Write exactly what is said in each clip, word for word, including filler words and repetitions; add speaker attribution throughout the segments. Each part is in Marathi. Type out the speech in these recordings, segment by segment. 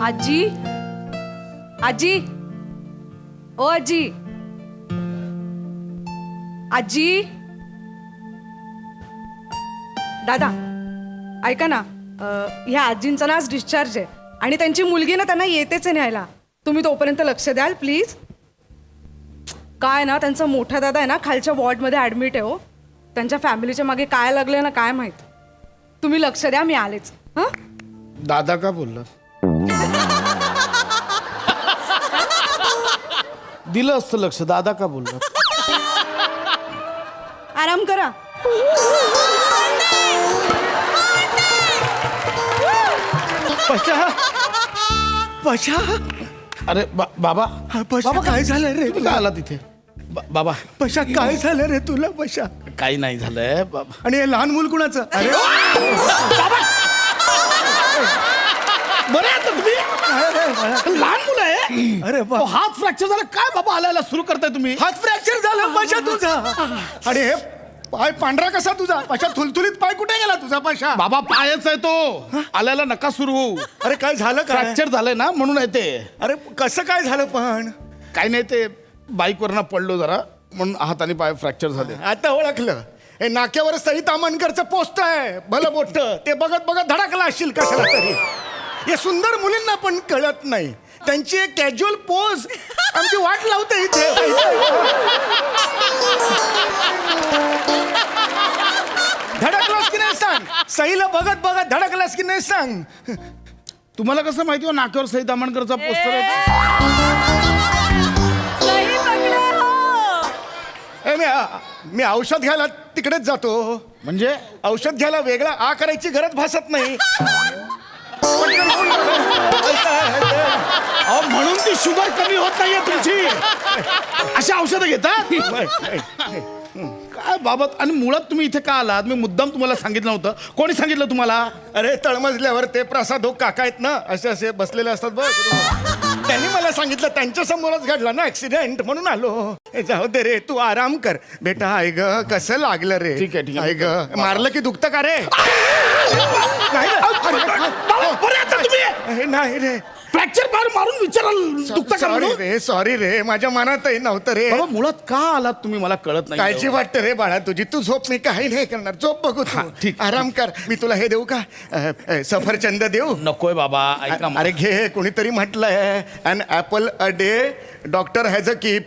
Speaker 1: आजी आजी ओ आजी आजी दादा ऐका ना, अं, ह्या आजींचा ना आज डिस्चार्ज आहे आणि त्यांची मुलगी ना त्यांना येतेच आहे न्यायला. तुम्ही तोपर्यंत लक्ष द्याल प्लीज. काय ना त्यांचा मोठा दादा आहे ना खालच्या वॉर्डमध्ये ॲडमिट आहे. हो, त्यांच्या फॅमिलीच्या मागे काय लागलं ना काय माहीत. तुम्ही लक्ष द्या, मी आलेच. हां
Speaker 2: दादा का बोलला? दिलं असतं लक्ष. दादा का बोलला?
Speaker 1: आराम करा.
Speaker 3: पशा पशा
Speaker 2: अरे बा, बाबा
Speaker 3: पशा
Speaker 2: बाबा,
Speaker 3: काय झालं रे
Speaker 2: तुम्ही काय आला तिथे? बा- बाबा
Speaker 3: पशा काय झालं रे तुला पशा?
Speaker 2: काही नाही झालंय बाबा.
Speaker 3: आणि हे लहान मूल कुणाचं? अरे
Speaker 2: बरं आहे आता तुम्ही? लहान मुलं आहे.
Speaker 3: अरे बा-
Speaker 2: अहो, हात फ्रॅक्चर झाला काय बाबा? आलायला सुरू करताय तुम्ही?
Speaker 3: हात फ्रॅक्चर झाला पशा तुझा. आणि हे पाय पांढरा कसा तुझा पशा? थुलथुलीत पाय कुठे गेला तुझा पशा?
Speaker 2: बाबा पायच आहे तो. आल्याला नका सुरू होऊ.
Speaker 3: अरे काय झालं काय?
Speaker 2: फ्रॅक्चर झालंय ना म्हणून आहे ते.
Speaker 3: अरे कसं काय झालं पण?
Speaker 2: काही नाही, ते बाईकवरनं पडलो जरा म्हणून हात आणि पाय फ्रॅक्चर झाले.
Speaker 3: आता ओळखलं. हे नाक्यावर सई तामणकरचं पोस्ट आहे भलं मोठं. ते बघत बघत धडकला असशील कशाला तरी. हे सुंदर मुलींना पण कळत नाही. त्यांची एक कॅज्युअल पोज आमची वाट लावते इथे. धडकलास की नाही सांग. सईला बघत बघत धडकलास की नाही सांग.
Speaker 2: तुम्हाला कसं माहिती हो नाक्यावर सई तामणकरचा पोस्टर आहे?
Speaker 1: सही पकडे हो.
Speaker 3: ए, मी मी औषध घ्यायला तिकडेच जातो.
Speaker 2: म्हणजे
Speaker 3: औषध घ्यायला वेगळा आ करायची गरज भासत नाही.
Speaker 2: अहो, म्हणून ती शुगर कमी होत नाहीये तुमची. अशी औषधं घेतात काय बाबत? आणि मुळात तुम्ही इथे का आलात? मी मुद्दाम तुम्हाला सांगितलं होतं. कोणी सांगितलं तुम्हाला?
Speaker 3: अरे तळमजल्यावर ते प्रसाद हो काका आहेत ना, असे असे बसलेले असतात बघ. त्यांनी मला सांगितलं. त्यांच्या समोरच घडला ना ऍक्सिडेंट म्हणून आलो. हे जाऊ दे रे, तू आराम कर बेटा. आय ग कसं लागलं रे?
Speaker 2: ठीक आहे, ठीक आहे.
Speaker 3: आय ग मारलं की दुखतं का रे? नाही रे.
Speaker 2: बाबा, बरे आता तुम्ही?
Speaker 3: अरे, नाही रे.
Speaker 2: फ्रॅक्चर मारून मारून विचाराल दुखतं का
Speaker 3: सॉरी
Speaker 2: म्हणून?
Speaker 3: रे, सॉरी रे, माझ्या मनातही नव्हतं रे.
Speaker 2: बाबा मुळात का आलात तुम्ही मला कळत नाही.
Speaker 3: काळजी वाटतं रे बाळा तुझी. तू झोप, मी काही नाही करणार. झोप बघू तू.
Speaker 2: हा, ठीक.
Speaker 3: आराम कर. मी तुला हे देऊ का? अ, अ, सफरचंद देऊ?
Speaker 2: नकोय बाबा, ऐका.
Speaker 3: अरे घे. कोणीतरी म्हटलंय an apple a day doctor has a keep.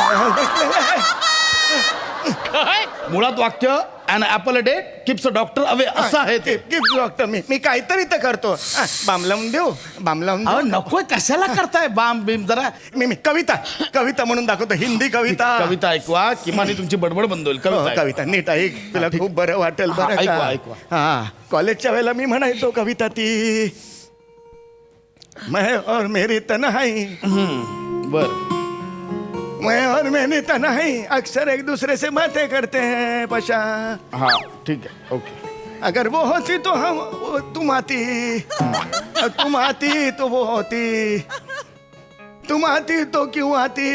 Speaker 2: मुळात वाक्य an apple a day keeps a doctor away असं आहे ते.
Speaker 3: Keep doctor. मी मी काहीतरी तर करतो. हा, बाम लावून देऊ? बाम लावून
Speaker 2: अहो
Speaker 3: देऊ?
Speaker 2: नकोय, कशाला करताय बाम बीम? जरा
Speaker 3: मी मी कविता कविता म्हणून दाखवतो. हिंदी कविता.
Speaker 2: कविता ऐकवा, किमान तुमची बडबड बंद होईल.
Speaker 3: हो,
Speaker 2: कविता ऐकवा.
Speaker 3: कविता नीट ऐक. तुला खूप बरं वाटेल.
Speaker 2: हा,
Speaker 3: बरं
Speaker 2: ऐकवा,
Speaker 3: का?
Speaker 2: ऐकवा.
Speaker 3: हा, कॉलेजच्या वेळेला मी म्हणायचो कविता ती. मैं और मेरी तन्हाई,
Speaker 2: बर.
Speaker 3: मैं और मेरी तन्हाई अक्सर एक दूसरे से बातें करते हैं पशा.
Speaker 2: हा ठीक आहे, ओके.
Speaker 3: अगर वो होती तो हम वो तुम आती, तुम आती तो वो होती, तुम आती तो क्यों आती,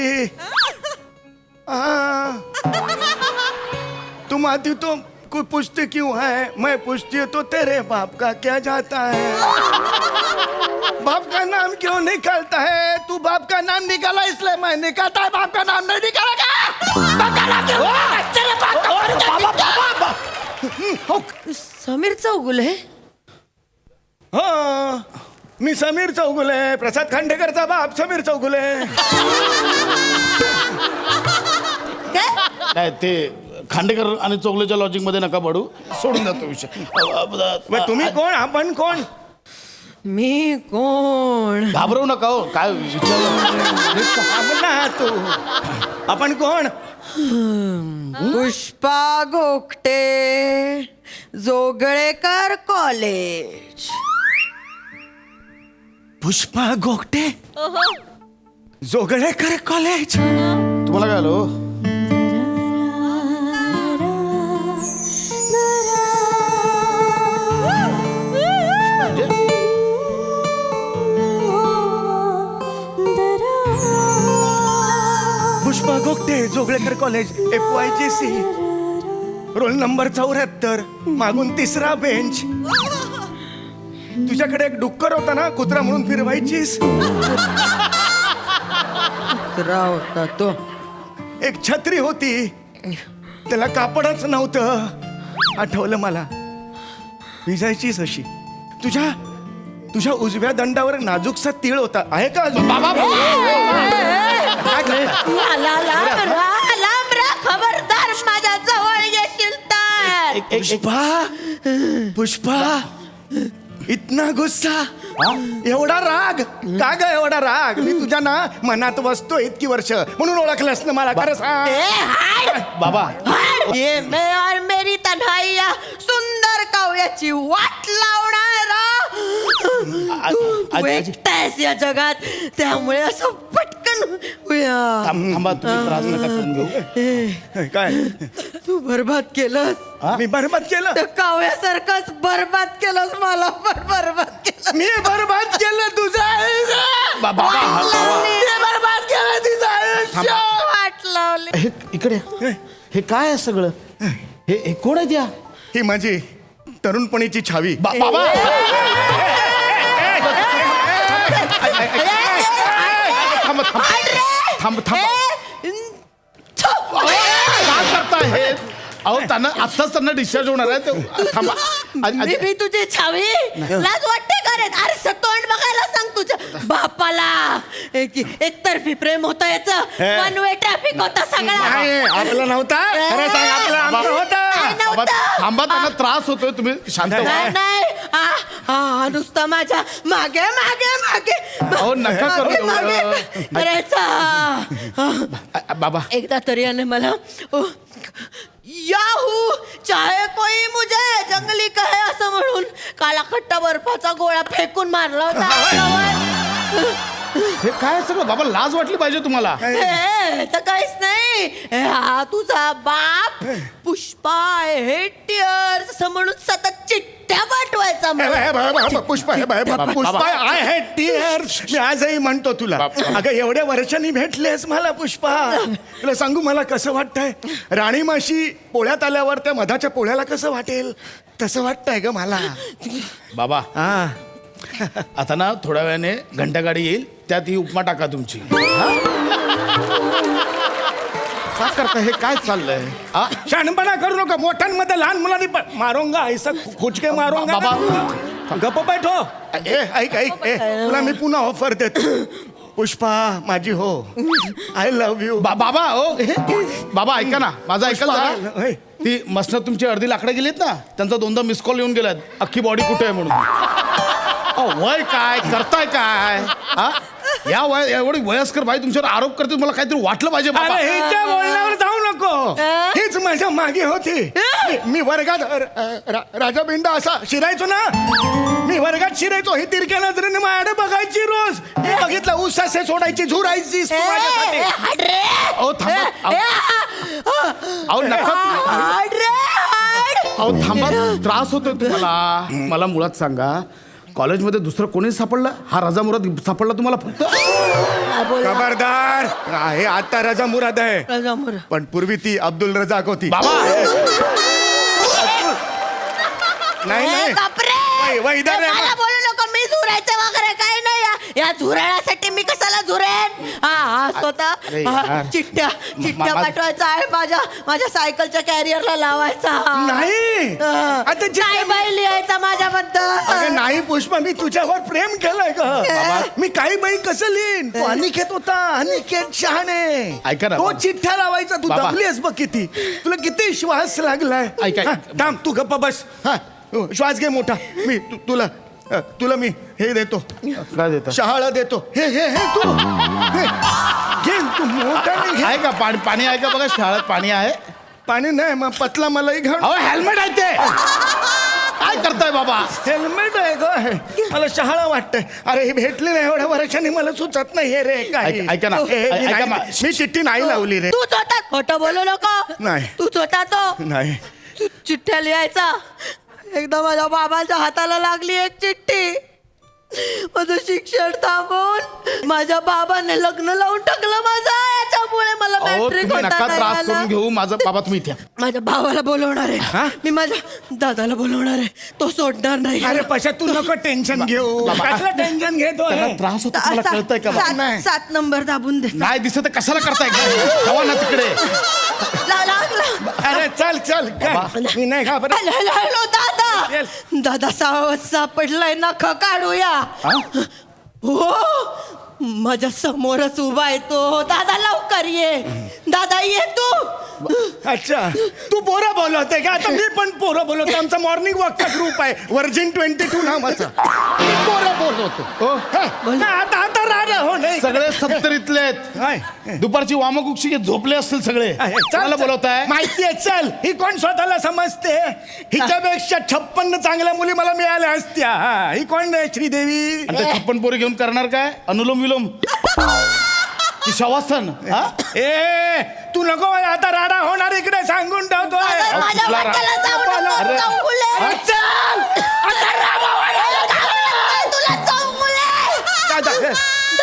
Speaker 3: हाँ. तुम आती तो कोई पूछती क्यों है, मैं पूछती हूँ तो तेरे बाप का क्या जाता है. बाप का नाम क्यों निकालता है? तू बाप का नाम निकाला इसलिए मैं निकालता है. बाप का नाम नहीं निकालेगा.
Speaker 4: समीर चौगुले.
Speaker 3: हो, मी समीर चौगुले, प्रसाद खांडेकरचा बाप समीर चौगुले.
Speaker 4: काय?
Speaker 2: नाही ते खांडेकर आणि चौगलेच्या लॉजिक मध्ये नका पडू. सोडून जातो विषय.
Speaker 3: मग तुम्ही कोण? आपण कोण?
Speaker 4: मी कोण?
Speaker 2: घाबरवू नका हो. काय विचार
Speaker 3: ना तू. आपण कोण?
Speaker 4: पुष्पा घोकटे, जोगळेकर कॉलेज.
Speaker 3: पुष्पा गोगटे, जोगळेकर कॉलेज.
Speaker 2: तुम्हाला काय आलो?
Speaker 3: Pushpa Gogte, Joglekar college, F Y G C, roll number चौऱ्याहत्तर, मागून तिसरा बेंच. तुझ्याकडे एक डुक्कर होता ना, कुत्रा म्हणून फिरवायचीस.
Speaker 4: कुत्रा होता तो.
Speaker 3: एक छत्री होती, त्याला कापडच नव्हतं. आठवलं मला, भिजायचीच अशी. तुझ्या तुझ्या उजव्या दंडावर नाजूकसा तीळ होता. आहे का अजून?
Speaker 2: बाबा काय करताय?
Speaker 4: ला, ला, लांब राहा, लांब राहा. खबरदार माझ्या जवळ येशील तर.
Speaker 2: एक- एक- एक-
Speaker 3: पुष्पा पुष्पा इतना गुस्सा, एवढा राग का ग? एवढा राग मी तुझ्या ना मनात बसतो इतकी वर्ष, म्हणून ओळखलंस ना मला. खरं सांग.
Speaker 4: ए, हाड.
Speaker 2: बाबा
Speaker 4: हाड. ये मैं और मेरी तन्हाई या सुंदर काव्याची वाट लावणारा तू तू
Speaker 2: आजी-
Speaker 4: एकटा आहेस या जगात, त्यामुळे असं पटकन उया.
Speaker 2: थांब- थांबा, तुम्ही त्रास नका करून घेऊ.
Speaker 3: काय
Speaker 4: तू बरबाद केलंस.
Speaker 3: मी बरबाद केलं?
Speaker 4: त्या काव्यासारखंच बरबाद केलंस मला पण बरबाद केलं.
Speaker 3: मी बरबाद केलं तुझं आयुष्य.
Speaker 2: बा- बाबा हा- बाबा
Speaker 3: मी बरबाद केलं तुझं आयुष्य.
Speaker 4: वाट लावली.
Speaker 2: हे इकडे हे काय आहे सगळं? हे हे कोण आहे त्या?
Speaker 3: ही माझी तरुणपणीची छावी.
Speaker 2: बा- बाबा थांब थांब थांब थांब काय करताय हे? अहो त्यांना आत्ताच त्यांना डिस्चार्ज होणार आहे ते. थांबा आजी-
Speaker 4: मी
Speaker 2: आजी-
Speaker 4: मी तुझी छावी लाज वाटते का रे? अरे स- तोंड बघायला सांग तुझ्या बापाला. एक एकतर्फी प्रेम होतं याचं.
Speaker 3: हे.
Speaker 4: वन वे ट्रॅफिक होता सगळा.
Speaker 3: नाही, आपलं नव्हता. खरं सांग, आपलं आमचं होतं.
Speaker 4: नाही,
Speaker 2: बाबा,
Speaker 4: नव्हतं.
Speaker 2: थांबा त्यांना त्रास होतोय, तुम्ही शांत व्हा.
Speaker 4: नाही नाही आ, आ, नुसतं माझ्या मागे मागे मागे
Speaker 2: अहो, नका करू
Speaker 4: मागे,
Speaker 2: एवढं.
Speaker 4: मागे करायचा.
Speaker 2: आ- आ- बाबा
Speaker 4: एकदा तरी याने मला ओ, याहू चाहे कोई मुझे जंगली कहे असं म्हणून काला खट्टा बर्फाचा गोळा फेकून मारला होता.
Speaker 2: हे काय सगळं? बाबा लाज वाटली पाहिजे तुम्हाला.
Speaker 4: हे, तर काहीच नाही. हे, हा तुझा बाप पुष्पा हेटियर्स असं म्हणून सतत चिठ्ठ्या पाठवायचा
Speaker 3: हे
Speaker 4: मला.
Speaker 3: बघ, हे बघ, हे बघ, पुष्पा हे बघ, हे बघ, पुष्पा आय हॅड टीयर्स. मी आजही म्हणतो तुला. अगं एवढ्या वर्षांनी भेटलेस मला पुष्पा. तुला सांगू मला कसं वाटतंय? राणी माशी पोळ्यात आल्यावर त्या मधाच्या पोळ्याला कसं वाटेल तसं वाटतंय ग मला.
Speaker 2: बाबा
Speaker 3: हा
Speaker 2: आता ना थोड्या वेळाने घंटागाडी येईल, त्यात ही उपमा टाका तुमची. हा? काय करता? हे काय चाललंय? हा?
Speaker 3: शहाणपणा करू नका. मोठ्यांमध्ये लहान मुलांनी पण मारोंगा ऐसा खुचके मारोंगा.
Speaker 2: बाबा.
Speaker 3: गप्प बैठो. ए ऐक ऐक ए तुला मी पुन्हा ऑफर देतो. पुष्पा माझी हो, आय लव्ह यू.
Speaker 2: बा- बाबा ओ हे बाबा ऐका ना, माझं ऐकाल जरा.
Speaker 3: होय.
Speaker 2: ती मसनं तुमची अर्धी लाकडं गेलीत ना, त्यांचा दोनदा मिस कॉल येऊन गेलात, अख्खी बॉडी कुठे आहे म्हणून. अहो, वय काय करताय काय? हा? या वय एवढी वयस्कर बाई तुमच्यावर आरोप करते, मला काहीतरी वाटलं पाहिजे बाबा.
Speaker 3: अरे हिच्या बोलण्यावर जाऊ नको. हीच माझ्या मागे होती. मी- मी वर्गात र- रा- राजा बिंडा असा शिरायचो ना. मी वर्गात शिरायचो. ही तिरक्या नजरेने माझ्याकडे बघायची रोज. मी बघितलं उसासे सोडायची, झुरायची तू माझ्यासाठी.
Speaker 4: ए, हाड रे.
Speaker 2: अहो थांबा.
Speaker 4: ए,
Speaker 2: अहो अहो, नका.
Speaker 4: हाड रे, हाड.
Speaker 2: अहो थांबा, त्रास होतोय तुम्हाला. मला मुळात सांगा, कॉलेजमध्ये दुसरं कोणीच सापडलं? हा राजा मुराद सापडला तुम्हाला फक्त?
Speaker 4: हा, बोल.
Speaker 3: खबरदार. हे आता रजा मुराद आहे,
Speaker 4: राजामोर.
Speaker 3: पण पूर्वी ती अब्दुल रजाक होती.
Speaker 2: बाबा
Speaker 3: नाही
Speaker 4: ए,
Speaker 3: नाही
Speaker 4: बापरे.
Speaker 3: वै- वैदर
Speaker 4: ए,
Speaker 3: आहे.
Speaker 4: मला बोलू नको. मी झुरायचं वगैरे काही नाही. या- या झुरळासाठी मी कशाला झुरेन? हा हा स्वतः
Speaker 2: अरे
Speaker 4: हा,
Speaker 2: यार.
Speaker 4: चिठ्ठ्या चिठ्ठ्या
Speaker 2: मा-
Speaker 4: पाठवायचा आहे माझ्या माझ्या सायकलच्या कॅरियरला लावायचा.
Speaker 3: नाही.
Speaker 4: हा.
Speaker 3: आता जे-
Speaker 4: काय बाई लिहायचा माझ्याबद्दल.
Speaker 3: अगं नाही पुष्पा, मी तुझ्यावर प्रेम केलंय का? मी काही बाई कसं लिहिन? तो अनिकेत होता, अनिकेत शहाणे.
Speaker 2: ऐका ना,
Speaker 3: तो
Speaker 2: बाबा.
Speaker 3: चिठ्ठ्या लावायचा. तू
Speaker 2: बाबा.
Speaker 3: दमलीस बघ किती. तुला किती श्वास लागलाय.
Speaker 2: ऐका.
Speaker 3: हा, थांब तू गप्पा बस. हा श्वास घे मोठा. मी तु- तुला अ, तुला मी हे देतो,
Speaker 2: काय देता?
Speaker 3: शहाळा देतो. हे हे हे तू हे, घे तू मोठ्याने घे.
Speaker 2: आहे का पाणी? पाणी आहे का बघा, शाळेत पाणी आहे.
Speaker 3: पाणी नाही मग पतला मलाई घाल.
Speaker 2: अहो हेल्मेट आहे ते. काय करताय बाबा?
Speaker 3: हेल्मेट आहे ग हे. मला शहाळा वाटतंय. अरे हे भेटले नाही एवढ्या वर्षांनी, मला सुचत नाही हे रे काही.
Speaker 2: ऐक- ऐका ना,
Speaker 3: हे- हे- मी
Speaker 2: ऐका
Speaker 3: नाही-
Speaker 2: मा-
Speaker 3: मी चिठ्ठी नाही लावली रे.
Speaker 4: तूच होता. खोटं बोलू नको.
Speaker 3: नाही.
Speaker 4: तूच होता तो.
Speaker 3: नाही
Speaker 4: तू चिठ्ठ्या लिहायचा. एकदा माझ्या बाबांच्या हाताला लागली एक चिठ्ठी. माझं शिक्षण थांबवून माझ्या बाबाने लग्न लावून टाकलं माझं याच्या यामुळे मला
Speaker 2: अहो
Speaker 4: मॅट्रिक
Speaker 2: तुम्ही
Speaker 4: होता
Speaker 2: नका
Speaker 4: नाही
Speaker 2: त्रास
Speaker 4: आला.
Speaker 2: करून घेऊ माझं बाबा तुम्ही इथे या.
Speaker 4: माझ्या भावाला बोलवणार
Speaker 3: हा?
Speaker 4: आहे मी माझ्या दादाला बोलवणार आहे तो सोडणार नाही
Speaker 3: अरे पशा तू नको टेन्शन घेऊ
Speaker 2: बाबा.
Speaker 3: कसलं टेन्शन घेतो
Speaker 2: त्यांना त्रास होतो तुम्हाला
Speaker 4: सा-
Speaker 2: कळतंय का बाबा?
Speaker 4: सात सात नंबर दाबून दे
Speaker 2: नाही दिसत तर कशाला करताय ठेवा ना तिकडे
Speaker 4: ला- लागला
Speaker 3: अरे चल चल कर. मी नाही घाबरत
Speaker 4: हॅलो हॅलो हॅलो दादा दादा सावध सापडलाय नख काढूया
Speaker 2: हा?
Speaker 4: हो माझ्या समोरच उभा आहे तो दादा लवकर ये दादा ये तू
Speaker 3: अच्छा तू पोरं बोलवते का आता मी पण पोरं बोलवतो आमचा मॉर्निंग वॉकचा ग्रुप आहे वर्जिन ट्वेंटी टू नावाचा मी पोरं बोलवतो
Speaker 2: हो
Speaker 3: हा, ना, आता आता राजा हो नाही
Speaker 2: सगळे सत्तरीतले आहेत
Speaker 3: हाय.
Speaker 2: दुपारची वामकुक्षी घेत झोपले असतील सगळे
Speaker 3: आहे. चल,
Speaker 2: कोणाला
Speaker 3: चल.
Speaker 2: बोलवताय
Speaker 3: माहितीये चल ही कोण स्वतःला समजते हिच्यापेक्षा छप्पन्न चांगल्या मुली मला मिळाल्या असत्या हा, ही कोण आहे श्रीदेवी
Speaker 2: आणि ते छप्पन पोरी घेऊन करणार काय अनुलोम विलोम की शवासन हा
Speaker 4: Eh,
Speaker 3: ए तू नको बाई, आता राडा होणार इकडे सांगून ठेवतोय
Speaker 4: दादा, माझ्या
Speaker 2: कुठला रा-
Speaker 4: वाट्याला जाऊ नको,
Speaker 2: अरे.
Speaker 4: चौगुले.
Speaker 3: हा, चल आता रामा वाड्याला
Speaker 4: दादा, तुला चौगुले.
Speaker 3: दादा.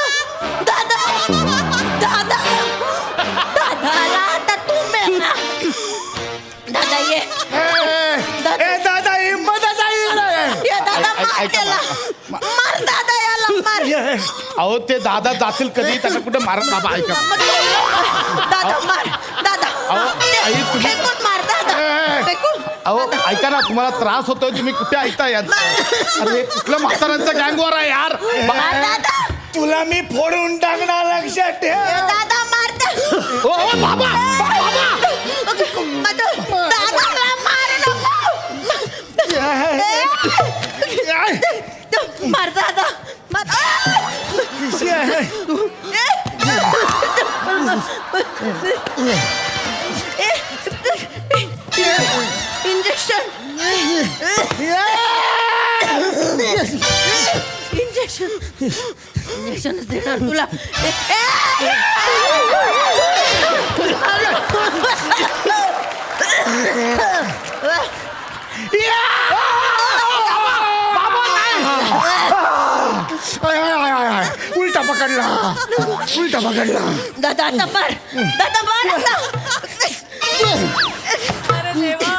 Speaker 4: दादा दादा दादाला आता तू मेला दादा ये
Speaker 3: ए, ए दादा हिंमतच आहे इकडे.
Speaker 4: ये दादा
Speaker 2: ऐ-
Speaker 4: मार
Speaker 2: ऐका
Speaker 4: त्याला मार दादा याला मार
Speaker 3: ये.
Speaker 2: अहो ते दादा जातील कधी त्यांना कुठे मारत बाबा ऐका
Speaker 4: दादा मार दादा
Speaker 2: अहो, आई, तुम्ही-
Speaker 4: फेकून मार दादा फेकून
Speaker 2: अहो ऐका ना तुम्हाला त्रास होतोय तुम्ही कुठे ऐकता यार अरे हे कुठलं म्हाताऱ्यांचा गँगवर आहे यार
Speaker 4: मार दादा
Speaker 3: तुला मी फोडून टाकणार लक्षात ठेव
Speaker 4: दादा मार त्या
Speaker 2: ओ, ओ, बाबा
Speaker 4: दादाला मार नको मार दादा मार इंजेक्शन इंजेक्शन इंजेक्शनच देणार तुला
Speaker 3: आय, आय, आय, आय, आय. उलटा पकडला उलटा पकडला
Speaker 4: दादा आता मार दादा मार आता. अरे देवा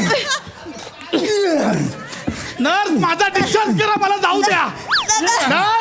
Speaker 2: नर्स माझा डिस्चार्ज करा मला जाऊ द्या नर्स